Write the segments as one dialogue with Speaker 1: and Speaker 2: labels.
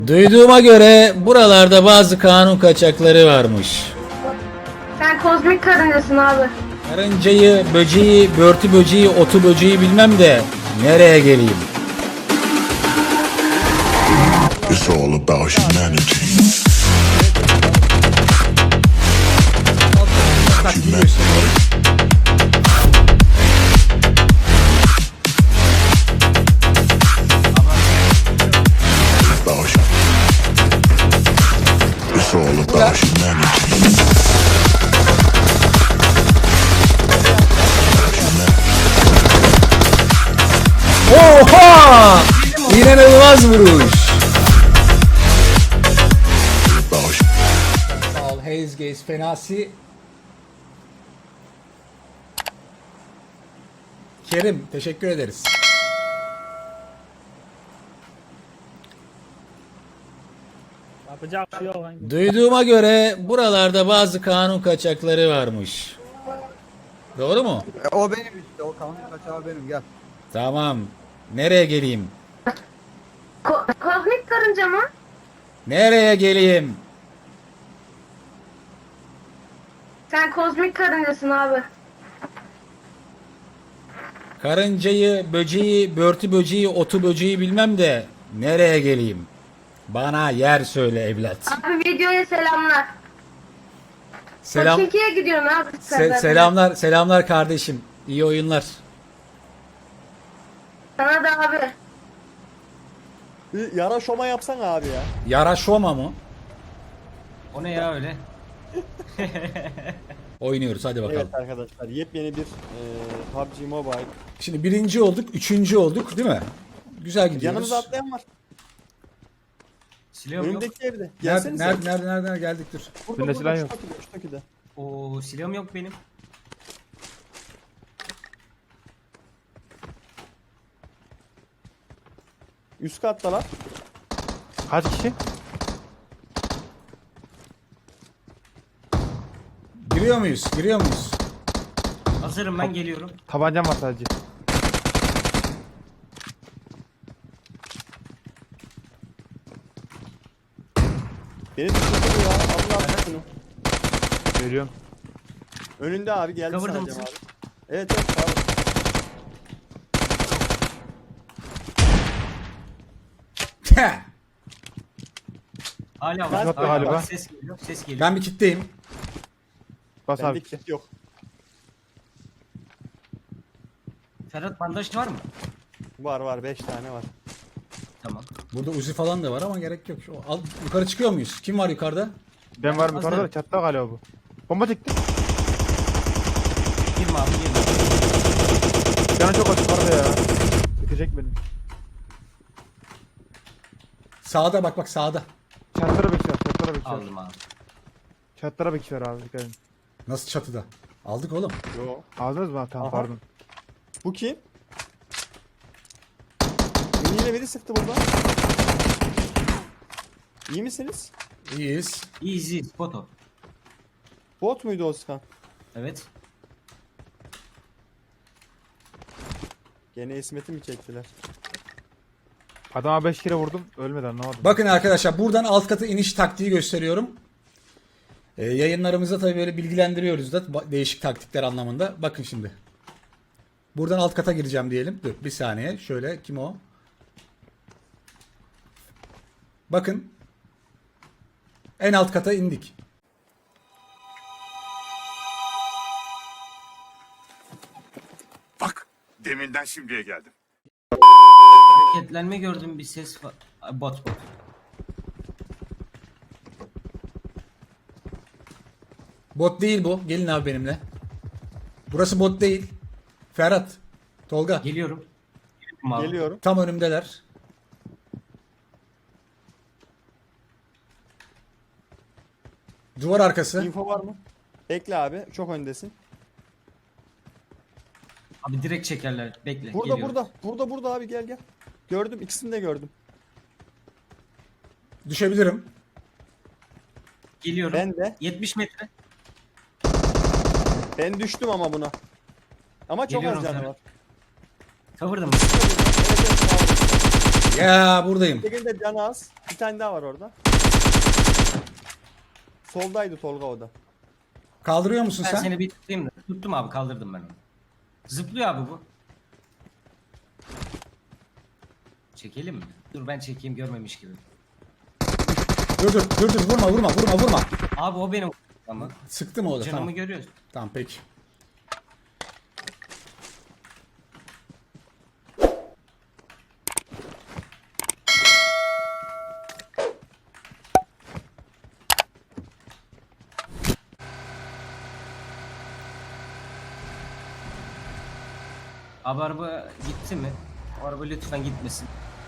Speaker 1: Duyduğuma göre buralarda bazı kanun kaçakları varmış.
Speaker 2: Sen kozmik karıncasın abi.
Speaker 1: Karıncayı, böceği, börtü böceği, otu böceği bilmem de nereye geleyim?
Speaker 3: It's all about humanity. It's all about humanity.
Speaker 1: Oha! İnanılmaz vuruş. Sağ ol Haze Gaze Fenasi. Kerim teşekkür ederiz.
Speaker 4: Yapacak bir şey yok lan.
Speaker 1: Duyduğuma göre buralarda bazı kanun kaçakları varmış. Doğru mu?
Speaker 5: O benim işte, o kanun kaçağı benim, gel.
Speaker 1: Tamam. Nereye geleyim?
Speaker 2: Kozmik karınca mı?
Speaker 1: Nereye geleyim?
Speaker 2: Sen kozmik karıncasın abi.
Speaker 1: Karıncayı, böceği, börtü böceği, otu böceği bilmem de nereye geleyim? Bana yer söyle evlat.
Speaker 2: Abi videoya selamlar.
Speaker 1: Selam.
Speaker 2: Çekiye gidiyorsun abi.
Speaker 1: Selamlar, selamlar kardeşim. İyi oyunlar.
Speaker 2: Sana da abi.
Speaker 4: Bir yara şoma yapsan abi ya.
Speaker 1: Yara Şoma mı?
Speaker 6: O ne ya öyle?
Speaker 1: Oynuyoruz hadi bakalım.
Speaker 4: Evet arkadaşlar, yepyeni bir PUBG Mobile.
Speaker 1: Şimdi birinci olduk, üçüncü olduk değil mi? Güzel gidiyoruz.
Speaker 4: Yanımıza atlayan var.
Speaker 6: Silahım yok.
Speaker 4: Önümdeki evde.
Speaker 1: Nerede,
Speaker 4: Gelsenize.
Speaker 1: nerede geldik dur.
Speaker 4: Burada silah yok. Şu takıda.
Speaker 6: Oo, silahım yok benim.
Speaker 4: Üst kattalar.
Speaker 7: Kaç kişi?
Speaker 1: Giriyor muyuz? Giriyor muyuz?
Speaker 6: Hazırım ben geliyorum.
Speaker 7: Tabancam var sadece.
Speaker 4: Beni düşürdü ya. Allah şunu.
Speaker 7: Veriyorum.
Speaker 4: Önünde abi, geldi
Speaker 6: Cover'da
Speaker 4: sanacağım
Speaker 6: mısın?
Speaker 4: abi. Evet evet abi.
Speaker 6: Hala
Speaker 4: Ben-
Speaker 6: var.
Speaker 7: galiba.
Speaker 6: Bak, ses geliyor. Ses geliyor.
Speaker 1: Ben bir kitleyim.
Speaker 7: Bas
Speaker 4: Bende
Speaker 7: abi.
Speaker 4: kit yok.
Speaker 6: Ferhat bandaj var mı?
Speaker 4: Var 5 tane var.
Speaker 6: Tamam.
Speaker 1: Burada Uzi falan da var ama gerek yok. Al, yukarı çıkıyor muyuz? Kim var yukarıda?
Speaker 7: Ben varım
Speaker 6: Hazır.
Speaker 7: yukarıda, çatta galiba bu. Bomba çekti.
Speaker 6: Girme abi girme.
Speaker 7: Canı çok açık yukarıda ya. Bitecek beni.
Speaker 1: Sağda bak sağda.
Speaker 7: Çatlara bekliyor, çatlara bekliyor.
Speaker 6: Aldım abi.
Speaker 7: Çatlara bekliyor abi, dikkat edin.
Speaker 1: Nasıl çatıda? Aldık oğlum.
Speaker 4: Yo.
Speaker 7: Aldınız mı? Tamam
Speaker 4: Aha.
Speaker 7: pardon.
Speaker 4: Bu kim? Beni yine biri sıktı burada. İyi misiniz?
Speaker 1: İyiyiz.
Speaker 6: Easy foto.
Speaker 4: Bot muydu Oskan?
Speaker 6: Evet.
Speaker 4: Gene İsmet'i mi çektiler?
Speaker 7: Adama 5 kere vurdum, ölmedi, anlamadım.
Speaker 1: Bakın arkadaşlar buradan alt katı iniş taktiği gösteriyorum. Yayınlarımızda tabii böyle bilgilendiriyoruz da değişik taktikler anlamında. Bakın şimdi. Buradan alt kata gireceğim diyelim. Dur bir saniye. Şöyle kim o? Bakın. En alt kata indik.
Speaker 3: Bak, deminden şimdiye geldim.
Speaker 6: Hareketlenme gördüm, bir ses var. Bot.
Speaker 1: Bot değil bu. Gelin abi benimle. Burası bot değil. Ferhat. Tolga.
Speaker 6: Geliyorum. Geliyorum abi.
Speaker 4: Geliyorum.
Speaker 1: Tam önümdeler. Duvar arkası.
Speaker 4: Info var mı? Bekle abi. Çok öndesin.
Speaker 6: Abi direkt çekerler. Bekle.
Speaker 4: Burada
Speaker 6: geliyorum.
Speaker 4: burada abi, gel. Gördüm, ikisini de gördüm.
Speaker 1: Düşebilirim.
Speaker 6: Geliyorum.
Speaker 4: Ben de.
Speaker 6: 70 metre.
Speaker 4: Ben düştüm ama buna. Ama çok
Speaker 6: Geliyorum
Speaker 4: az canı
Speaker 6: sana.
Speaker 4: var.
Speaker 6: Cover'da mı?
Speaker 4: Evet, sağ ol.
Speaker 1: Ya buradayım.
Speaker 4: Tekinde canı az. Bir tane daha var orada. Soldaydı Tolga o da.
Speaker 1: Kaldırıyor musun
Speaker 6: Ben
Speaker 1: sen?
Speaker 6: seni bir tutayım da. Tuttum abi, kaldırdım ben onu. Zıplıyor abi bu. Çekelim mi? Dur ben çekeyim, görmemiş gibi.
Speaker 1: Dur vurma.
Speaker 6: Abi o benim ama.
Speaker 1: Sıktı mı o da?
Speaker 6: Canımı
Speaker 1: Tamam.
Speaker 6: görüyorsun.
Speaker 1: Tamam peki.
Speaker 6: Abi araba gitti mi? O araba lütfen gitmesin.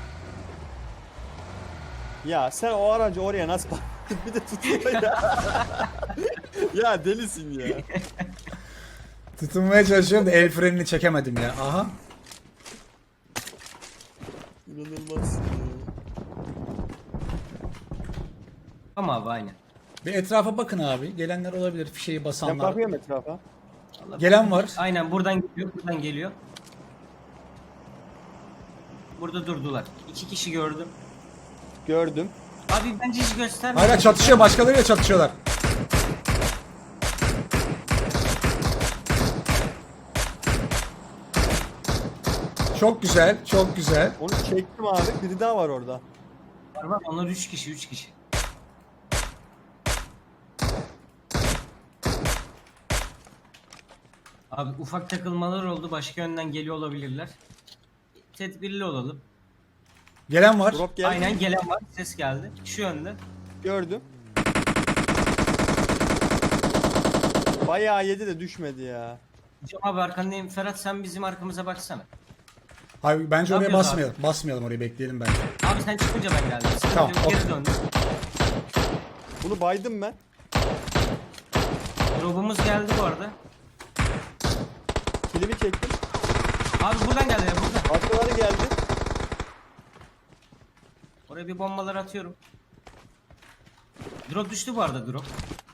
Speaker 4: Ya sen o aracı oraya nasıl bir de tutuyor ya. Ya delisin ya.
Speaker 1: Tutunmaya çalışıyorum da el frenini çekemedim ya. Aha.
Speaker 4: İnanılmazsın ya.
Speaker 6: Ama abi aynen.
Speaker 1: Bir etrafa bakın abi. Gelenler olabilir. Fişeği
Speaker 4: Ben
Speaker 1: basanlar.
Speaker 4: bakıyorum etrafa.
Speaker 1: Gelen var.
Speaker 6: Aynen buradan geliyor, buradan geliyor. Burada durdular. 2 kişi gördüm.
Speaker 4: Gördüm.
Speaker 6: Abi bence hiç gösterme.
Speaker 1: Hala çatışıyor. Başkalarıyla çatışıyorlar. Çok güzel. Çok güzel.
Speaker 4: Onu çektim abi. Biri daha var orada.
Speaker 6: Var, onlar 3 kişi, 3 kişi. Abi ufak takılmalar oldu. Başka yönden geliyor olabilirler. Tedbirli olalım.
Speaker 1: Gelen var.
Speaker 4: Drop geldi.
Speaker 6: Aynen gelen var. Ses geldi. Şu yönde.
Speaker 4: Gördüm. Bayağı yedi de düşmedi ya.
Speaker 6: Cem abi arkandayım. Ferhat sen bizim arkamıza baksana.
Speaker 1: Abi bence
Speaker 6: Ne
Speaker 1: oraya
Speaker 6: yapıyoruz
Speaker 1: basmayalım. Basmayalım oraya, bekleyelim bence.
Speaker 6: Abi sen çıkınca ben geldim. Sıkıntı
Speaker 1: Tamam,
Speaker 6: yok,
Speaker 1: okey.
Speaker 6: geri döndüm.
Speaker 4: Bunu baydım ben.
Speaker 6: Drop'umuz geldi bu arada.
Speaker 4: Kilimi çektim.
Speaker 6: Abi buradan geldi ya, buradan.
Speaker 4: Arkaları geldi.
Speaker 6: Oraya bir bombalar atıyorum. Drop düştü bu arada, drop.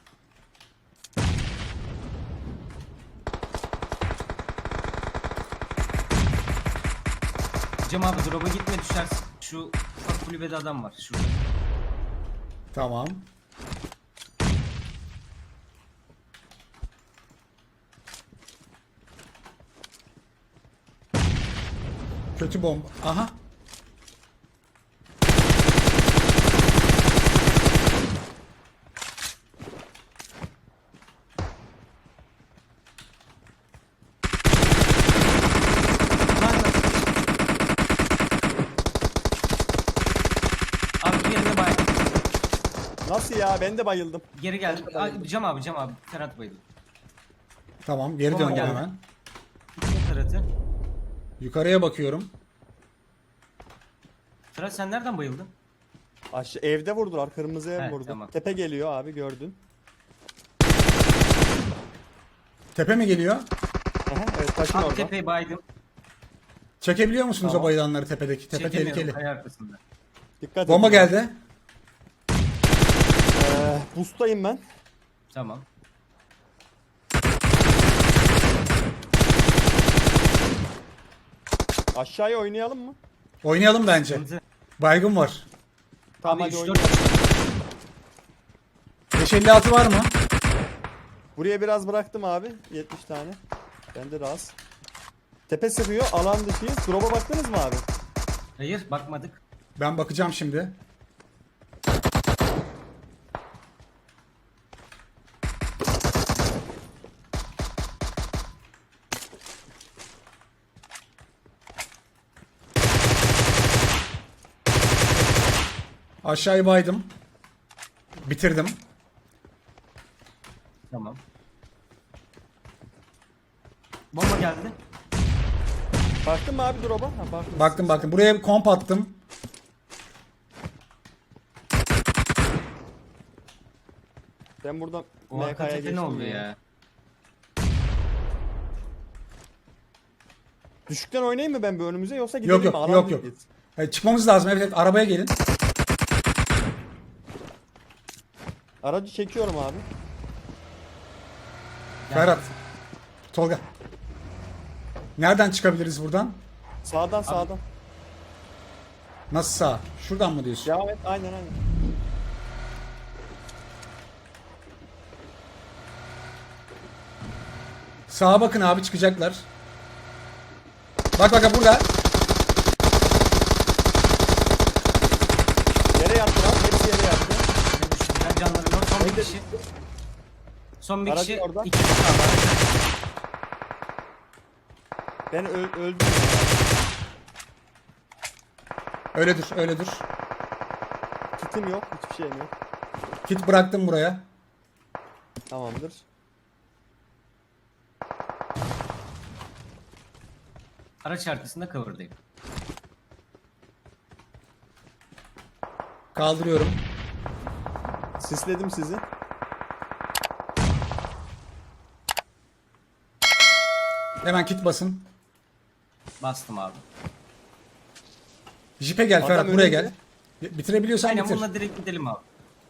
Speaker 6: Cem abi drop'a gitme, düşersin. Şu ufak kulübede adam var şurada.
Speaker 1: Tamam. Kötü bomba. Aha.
Speaker 6: Abi yerine bay.
Speaker 4: Nasıl ya? Ben de bayıldım.
Speaker 6: Geri geldi. Cem abi Ferhat bayıldı.
Speaker 1: Tamam, geri
Speaker 6: Bomba
Speaker 1: döndüm
Speaker 6: geldi.
Speaker 1: hemen.
Speaker 6: Ferhat'ı.
Speaker 1: Yukarıya bakıyorum.
Speaker 6: Ferhat sen nereden bayıldın?
Speaker 4: Aşağı evde vurdular. Kırmızı ev
Speaker 6: Evet,
Speaker 4: vurdu.
Speaker 6: tamam.
Speaker 4: Tepe geliyor abi, gördün.
Speaker 1: Tepe mi geliyor?
Speaker 4: Aha, evet taşın
Speaker 6: Abi
Speaker 4: orada.
Speaker 6: tepeyi baydım.
Speaker 1: Çekebiliyor musunuz
Speaker 4: Tamam.
Speaker 1: o bayılanları tepedeki? Tepe
Speaker 6: Çekemiyorum,
Speaker 1: tehlikeli.
Speaker 6: kaya arkasında.
Speaker 4: Dikkat
Speaker 1: Bomba
Speaker 4: edin.
Speaker 1: geldi.
Speaker 4: Boost'tayım ben.
Speaker 6: Tamam.
Speaker 4: Aşağıya oynayalım mı?
Speaker 1: Oynayalım bence.
Speaker 6: Sıkıntı.
Speaker 1: Baygın var.
Speaker 4: Tamam
Speaker 6: Abi
Speaker 4: hadi
Speaker 6: 3-4
Speaker 4: oynayalım.
Speaker 1: 556 var mı?
Speaker 4: Buraya biraz bıraktım abi. 70 tane. Bende de az. Tepe sıkıyor. Alan dışıyız. Drop'a baktınız mı abi?
Speaker 6: Hayır bakmadık.
Speaker 1: Ben bakacağım şimdi. Aşağıyı baydım. Bitirdim.
Speaker 6: Tamam. Bomba geldi.
Speaker 4: Baktın mı abi drop'a? Ha, baktım.
Speaker 1: Baktım. Buraya bir komp attım.
Speaker 4: Ben buradan
Speaker 6: O arka
Speaker 4: MK'ya
Speaker 6: tepe
Speaker 4: geçtim
Speaker 6: ne oldu ya?
Speaker 4: Düşükten oynayayım mı ben bir önümüze yoksa gidelim
Speaker 1: Yok
Speaker 4: mi? Alan
Speaker 1: yok.
Speaker 4: dışıyız.
Speaker 1: Hayır, çıkmamız lazım. Evet, arabaya gelin.
Speaker 4: Aracı çekiyorum abi.
Speaker 1: Ferhat. Tolga. Nereden çıkabiliriz buradan?
Speaker 4: Sağdan sağdan.
Speaker 1: Nasıl sağ? Şuradan mı diyorsun?
Speaker 4: Devam et. Aynen aynen.
Speaker 1: Sağa bakın abi, çıkacaklar. Bak bak burada.
Speaker 4: Yere yattı lan. Hepsi yere yattı.
Speaker 6: Ne düştüler canları yok. Son bir
Speaker 4: Evde-
Speaker 6: kişi. Son bir
Speaker 4: Aracı
Speaker 6: kişi.
Speaker 4: orada.
Speaker 6: 2 kişi kaldı.
Speaker 4: Ben öldüm.
Speaker 1: Öyle dur, öyle dur.
Speaker 4: Kitim yok. Hiçbir şeyim yok.
Speaker 1: Kit bıraktım buraya.
Speaker 4: Tamamdır.
Speaker 6: Araç arkasında cover'dayım.
Speaker 1: Kaldırıyorum.
Speaker 4: Sisledim sizi.
Speaker 1: Hemen kit basın.
Speaker 6: Bastım abi.
Speaker 1: Jipe gel
Speaker 4: Adam
Speaker 1: Ferhat, buraya
Speaker 4: önünde.
Speaker 1: gel. Bitirebiliyorsan
Speaker 6: Aynen
Speaker 1: bitir.
Speaker 6: bununla direkt gidelim abi.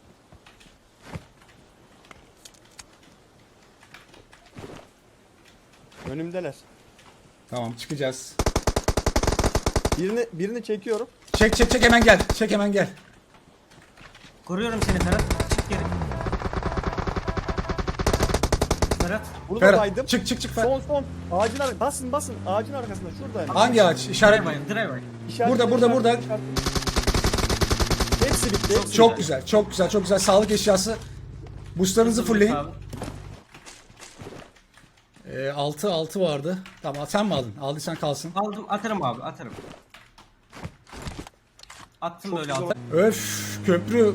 Speaker 4: Önümdeler.
Speaker 1: Tamam, çıkacağız.
Speaker 4: Birini çekiyorum.
Speaker 1: Çek çek çek, hemen gel. Çek hemen gel.
Speaker 6: Koruyorum seni Ferhat. Çık geri. Ferhat.
Speaker 4: Bunu da
Speaker 1: Ferhat
Speaker 4: baydım.
Speaker 1: çık çık çık Ferhat.
Speaker 4: Son. Ağacın arkasında. Basın. Ağacın arkasında. Şurada.
Speaker 1: Hangi ağaç? İşaret.
Speaker 6: Driver.
Speaker 4: İşaret-
Speaker 1: Burada.
Speaker 4: Hepsi bitti. Hepsi
Speaker 1: Çok
Speaker 4: bitti.
Speaker 1: güzel, çok güzel, çok güzel. Sağlık eşyası. Boostlarınızı fullleyin.
Speaker 6: Abi.
Speaker 1: 6 vardı. Tamam, sen mi aldın? Aldıysan kalsın.
Speaker 6: Aldım atarım abi atarım. Attım böyle
Speaker 4: güzel.
Speaker 6: aldım.
Speaker 1: Öf, köprü.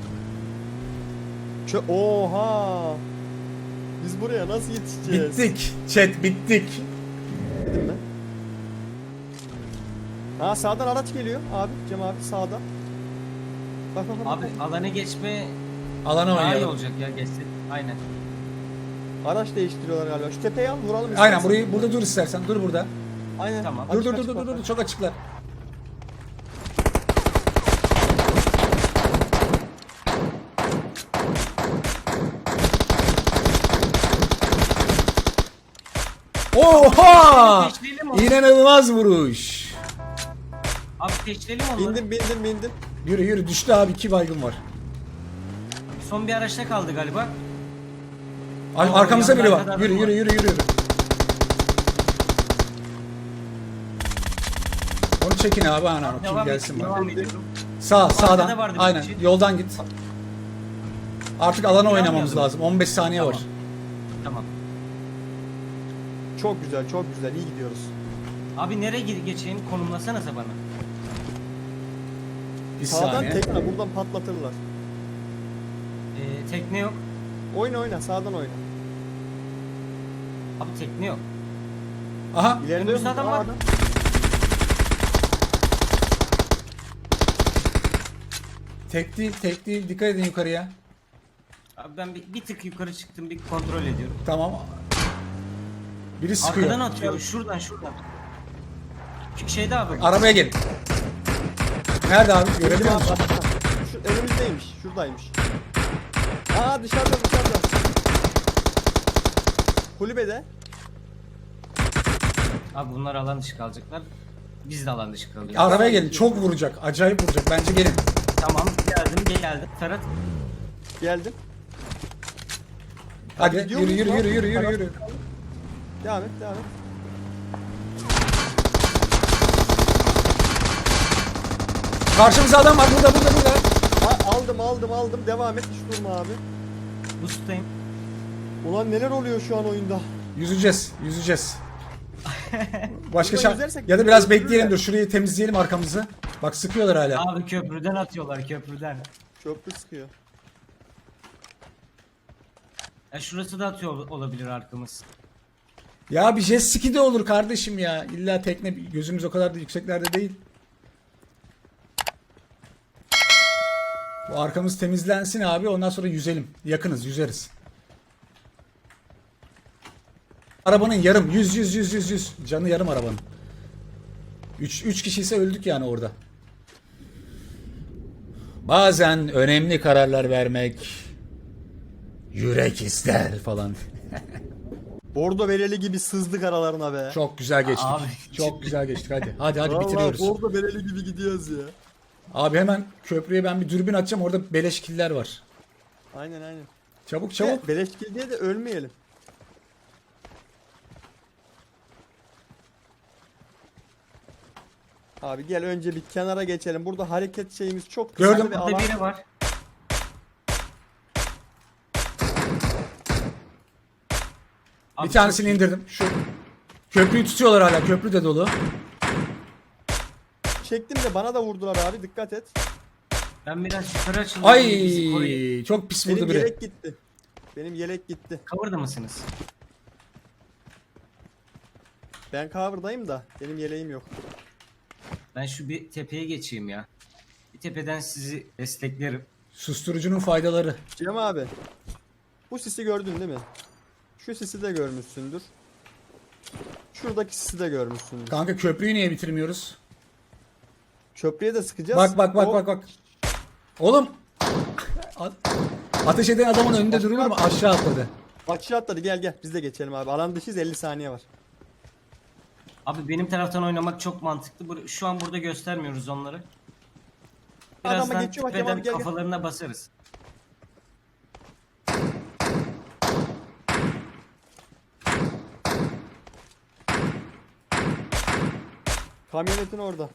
Speaker 4: Oha. Biz buraya nasıl yetişeceğiz?
Speaker 1: Bittik. Chat bittik.
Speaker 4: Dedim ben. Ha sağdan araç geliyor abi. Cem abi sağdan. Bak.
Speaker 6: Abi alana geçme
Speaker 1: Alana
Speaker 6: daha iyi
Speaker 1: oynayalım.
Speaker 6: olacak ya geçsin. Aynen.
Speaker 4: Araç değiştiriyorlar galiba. Şu tepeyi al vuralım.
Speaker 1: Aynen,
Speaker 4: istersen.
Speaker 1: burada dur istersen. Dur burada.
Speaker 4: Aynen.
Speaker 6: Tamam.
Speaker 1: Dur
Speaker 4: Açık,
Speaker 1: dur
Speaker 4: açık
Speaker 1: dur
Speaker 4: bak.
Speaker 1: dur, çok açıklar. Oha!
Speaker 6: Teşleyelim onu.
Speaker 1: İnanılmaz vuruş.
Speaker 6: Abi teşleyelim onları.
Speaker 4: Bindim.
Speaker 1: Yürü yürü, düştü abi, 2 baygın var.
Speaker 6: Son bir araçta kaldı galiba.
Speaker 1: Arkamızda biri
Speaker 6: yandan
Speaker 1: var.
Speaker 6: kadar
Speaker 1: Yürü
Speaker 6: var.
Speaker 1: yürü yürü yürü. Onu çekin abi, ana kim
Speaker 6: Devam
Speaker 1: gelsin
Speaker 6: et,
Speaker 1: bana.
Speaker 6: devam ediyorum.
Speaker 1: Sağdan.
Speaker 6: da vardı bir
Speaker 1: Aynen.
Speaker 6: kişi.
Speaker 1: Yoldan git. Artık alana oynamamız
Speaker 6: Yapmayalım.
Speaker 1: lazım. 15 saniye var.
Speaker 6: Tamam.
Speaker 4: Çok güzel. İyi gidiyoruz.
Speaker 6: Abi nereye geçeyim konumlasanıza bana.
Speaker 1: Bir
Speaker 4: Sağdan
Speaker 1: saniye.
Speaker 4: tekrar buradan patlatırlar.
Speaker 6: Tekne yok.
Speaker 4: Oyna. Sağdan oyna.
Speaker 6: Abi tekne yok.
Speaker 1: Aha.
Speaker 4: İleride
Speaker 6: Önümüzde adam var.
Speaker 1: Tek değil. Dikkat edin yukarıya.
Speaker 6: Abi ben bir tık yukarı çıktım bir kontrol ediyorum.
Speaker 1: Tamam. Biri sıkıyor.
Speaker 6: Arkadan atıyor şuradan. Şu şeyde abi.
Speaker 1: Arabaya gelin. Nerede abi? Görebiliyor musun?
Speaker 4: Şu önümüzdeymiş. Şuradaymış. Aa dışarıda. Kulübede.
Speaker 6: Abi bunlar alan dışı kalacaklar. Biz de alan dışı kalıyoruz.
Speaker 1: Arabaya gelin. Çok vuracak. Acayip vuracak. Bence gelin.
Speaker 6: Tamam geldim. Ferhat.
Speaker 4: Geldim.
Speaker 1: Hadi
Speaker 4: gidiyor
Speaker 1: yürü
Speaker 4: muyuz
Speaker 1: yürü
Speaker 4: lan?
Speaker 1: yürü.
Speaker 4: Devam et.
Speaker 1: Karşımızda adam var. Burada.
Speaker 4: Aldım. Devam et. Hiç durma abi.
Speaker 6: Boost'tayım.
Speaker 4: Ulan neler oluyor şu an oyunda?
Speaker 1: Yüzeceğiz. Başka
Speaker 4: Buradan
Speaker 1: şans.
Speaker 4: yüzersek
Speaker 1: Ya da biraz
Speaker 4: öldürürler.
Speaker 1: bekleyelim, dur. Şurayı temizleyelim arkamızı. Bak sıkıyorlar hala.
Speaker 6: Abi köprüden atıyorlar.
Speaker 4: Köprü sıkıyor.
Speaker 6: Ya şurası da atıyor olabilir arkamız.
Speaker 1: Ya bir jet ski de olur kardeşim ya. İlla tekne, gözümüz o kadar da yükseklerde değil. Bu arkamız temizlensin abi, ondan sonra yüzelim. Yakınız, yüzeriz. Arabanın yarım, 100. Canı yarım arabanın. 3 kişi ise öldük yani orada. Bazen önemli kararlar vermek yürek ister falan.
Speaker 4: Bordo bereli gibi sızdık aralarına be.
Speaker 1: Çok güzel geçtik.
Speaker 6: Abi.
Speaker 1: Çok güzel geçtik. Hadi
Speaker 4: Vallahi
Speaker 1: bitiriyoruz.
Speaker 4: bordo bereli gibi gidiyoruz ya.
Speaker 1: Abi hemen köprüye ben bir dürbün atacağım. Orada beleş killer var.
Speaker 4: Aynen.
Speaker 1: Çabuk çabuk.
Speaker 4: Beleş kill diye de ölmeyelim. Abi gel önce bir kenara geçelim. Burada hareket şeyimiz çok kısa
Speaker 1: Gördüm.
Speaker 4: ve
Speaker 6: Burada
Speaker 4: alan.
Speaker 6: biri var. Abi
Speaker 1: Bir tanesini
Speaker 6: çok iyi.
Speaker 1: indirdim. Şu köprüyü tutuyorlar hala. Köprü de dolu.
Speaker 4: Çektim de bana da vurdular abi, dikkat et.
Speaker 6: Ben biraz yukarı açıldım.
Speaker 1: Ay çok pis vurdu
Speaker 4: Benim
Speaker 1: biri.
Speaker 4: yelek gitti. Benim yelek gitti.
Speaker 6: Cover'da mısınız?
Speaker 4: Ben cover'dayım da benim yeleğim yok.
Speaker 6: Ben şu bir tepeye geçeyim ya. Bir tepeden sizi desteklerim.
Speaker 1: Susturucunun faydaları.
Speaker 4: Cem abi. Bu sisi gördün değil mi? Şu sisi de görmüşsündür. Şuradaki sisi de görmüşsündür.
Speaker 1: Kanka köprüyü niye bitirmiyoruz?
Speaker 4: Köprüye de sıkacağız.
Speaker 1: Bak. Oğlum. Ateş eden adamın önünde durulur mu? Aşağı atladı.
Speaker 4: Aşağı atladı, gel biz de geçelim abi. Alan dışıyız, 50 saniye var.
Speaker 6: Abi benim taraftan oynamak çok mantıklı. Şu an burada göstermiyoruz onları.
Speaker 4: Adama
Speaker 6: Birazdan
Speaker 4: geçiyor bak,
Speaker 6: tepeden
Speaker 4: Kemal, gel.
Speaker 6: kafalarına basarız.
Speaker 4: Kamyonetin orada.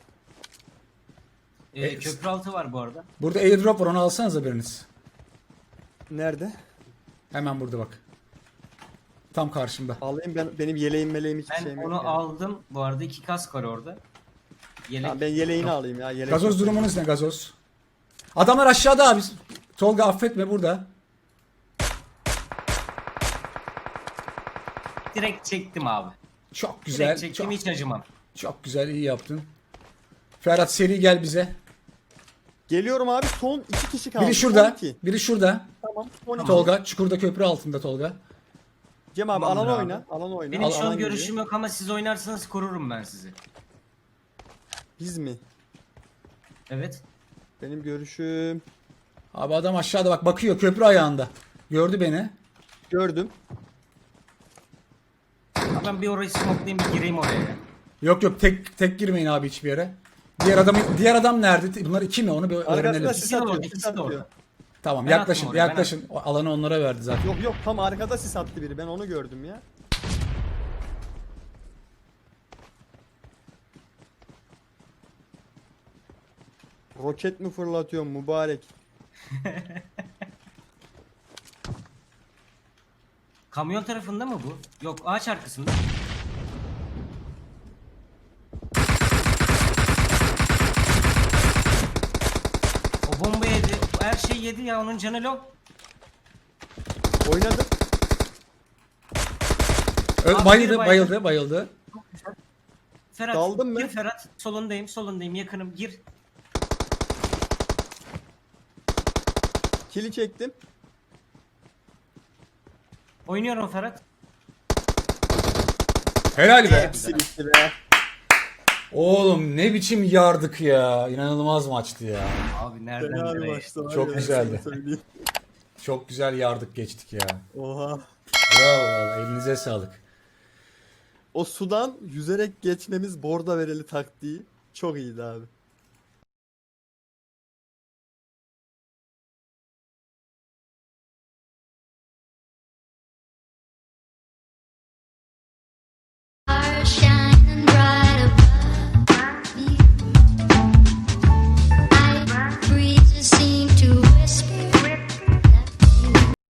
Speaker 6: Köprü altı var bu arada.
Speaker 1: Burada airdrop var, onu alsanıza biriniz.
Speaker 4: Nerede?
Speaker 1: Hemen burada bak. Tam karşımda.
Speaker 4: Alayım ben, benim yeleğim meleğim hiçbir
Speaker 6: Ben
Speaker 4: şeyim yok.
Speaker 6: onu
Speaker 4: yani.
Speaker 6: aldım. Bu arada 2 kask var orada. Yelek.
Speaker 4: Tamam, ben yeleğini alayım ya. Yelek
Speaker 1: Gazoz
Speaker 4: yok.
Speaker 1: durumunuz ne gazoz? Adamlar aşağıda abi. Tolga affetme burada.
Speaker 6: Direkt çektim abi.
Speaker 1: Çok güzel.
Speaker 6: Direkt çektim,
Speaker 1: Çok,
Speaker 6: hiç acımam.
Speaker 1: çok güzel, iyi yaptın. Ferhat seri gel bize.
Speaker 4: Geliyorum abi, son 2 kişi kaldı.
Speaker 1: Biri şurada.
Speaker 4: Son iki.
Speaker 1: Biri şurada.
Speaker 4: Tamam. Son iki.
Speaker 1: Tolga çukurda, köprü altında Tolga.
Speaker 4: Cem abi
Speaker 6: Tamamdır
Speaker 4: alan
Speaker 6: abi.
Speaker 4: oyna. Alan oyna.
Speaker 6: Benim şu
Speaker 4: Alan
Speaker 6: an
Speaker 4: geliyor.
Speaker 6: görüşüm yok ama siz oynarsanız korurum ben sizi.
Speaker 4: Biz mi?
Speaker 6: Evet.
Speaker 4: Benim görüşüm.
Speaker 1: Abi adam aşağıda bak, bakıyor köprü ayağında. Gördü beni.
Speaker 4: Gördüm.
Speaker 6: Abi ben bir orayı smokelayayım, bir gireyim oraya ya.
Speaker 1: Yok tek girmeyin abi hiçbir yere. Diğer adam nerede? Bunlar iki mi? Onu bir öğrenelim.
Speaker 4: Arkasında sis
Speaker 6: İkisi de
Speaker 4: atıyor.
Speaker 6: orada,
Speaker 4: Sis
Speaker 6: ikisi de
Speaker 4: atıyor.
Speaker 6: orada.
Speaker 1: Tamam
Speaker 6: Ben
Speaker 1: yaklaşın
Speaker 6: attım oraya, ben
Speaker 1: yaklaşın. O alanı onlara verdi zaten.
Speaker 4: Yok tam arkada sis attı biri. Ben onu gördüm ya. Roket mi fırlatıyor mübarek?
Speaker 6: Kamyon tarafında mı bu? Yok, ağaç arkasında. O bomba yedi. Her şey yedi ya, onun canı low.
Speaker 4: Oynadım.
Speaker 6: Abi
Speaker 1: Bayıldı
Speaker 6: biri
Speaker 1: bayıldı.
Speaker 6: Ferhat,
Speaker 4: Daldın mı?
Speaker 6: gir Ferhat. Solundayım, yakınım, gir.
Speaker 4: Kili çektim.
Speaker 6: Oynuyorum Ferhat.
Speaker 1: Helal be.
Speaker 4: Hepsi bitti be.
Speaker 1: Oğlum ne biçim yardık ya. İnanılmaz maçtı ya.
Speaker 6: Abi nereden
Speaker 4: Fena bir
Speaker 6: nereye?
Speaker 4: maçtı var
Speaker 1: Çok
Speaker 4: ya,
Speaker 1: güzeldi.
Speaker 4: sana söyleyeyim.
Speaker 1: Çok güzel yardık geçtik ya.
Speaker 4: Oha.
Speaker 1: Bravo vallahi, elinize sağlık.
Speaker 4: O sudan yüzerek geçmemiz borda vereli taktiği çok iyiydi abi.